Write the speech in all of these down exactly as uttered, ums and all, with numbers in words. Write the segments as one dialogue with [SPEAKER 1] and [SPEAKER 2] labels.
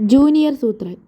[SPEAKER 1] Junior സൂത്രൻ.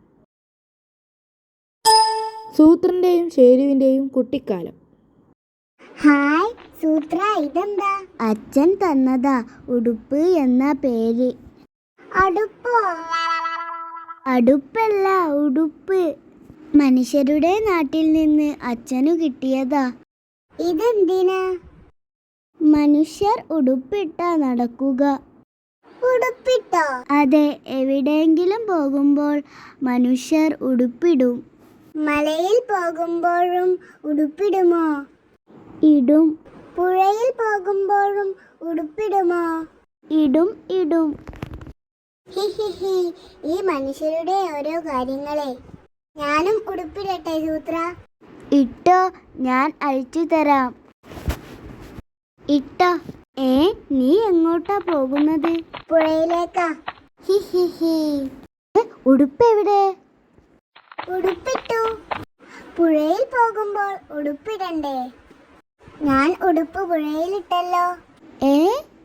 [SPEAKER 1] സൂത്രന്റെയും ഷേരുവിന്റെയും കുട്ടിക്കാലം.
[SPEAKER 2] Hi സൂത്ര, ഇതെന്താ? അച്ഛൻ തന്നതാ, ഉടുപ്പ് എന്ന പേര്. അടുപ്പോ? അടുപ്പല്ല, ഉടുപ്പ്. മനുഷ്യരുടെ നാട്ടിൽ നിന്ന് അച്ഛനു കിട്ടിയതാ. ഇതെന്തിനാ? മനുഷ്യർ ഉടുപ്പിട്ട നടക്കുക. ഉടുപ്പിട്ടോ? അതെ, എവിടെയെങ്കിലും പോകുമ്പോൾ മനുഷ്യർ ഉടുപ്പിടും. മലയിൽ പോകുമ്പോഴും ഉടുപ്പിടുമോ? ഇടും. പുഴയിൽ പോകുമ്പോഴും ഉടുപ്പിടുമോ? ഇടും ഇടും. ഹിഹിഹി, ഈ മനുഷ്യരുടെ ഓരോ കാര്യങ്ങളെ. ഞാനും ഉടുപ്പിടട്ടെ സൂത്ര? ഇട്ടോ, ഞാൻ അഴിച്ചു തരാം. ഇട്ടോ. ഏ, നീ എങ്ങോട്ടാ പോകുന്നത്? പുഴയിലേക്കാ. ഹിഹിഹി. ഉടുപ്പ് എവിടെ? ഉടുപ്പിട്ടു. പുഴയിൽ പോകുമ്പോൾ ഉടുപ്പിടണ്ടേ? ഞാൻ ഉടുപ്പ് പുഴയിലിട്ടല്ലോ. ഏ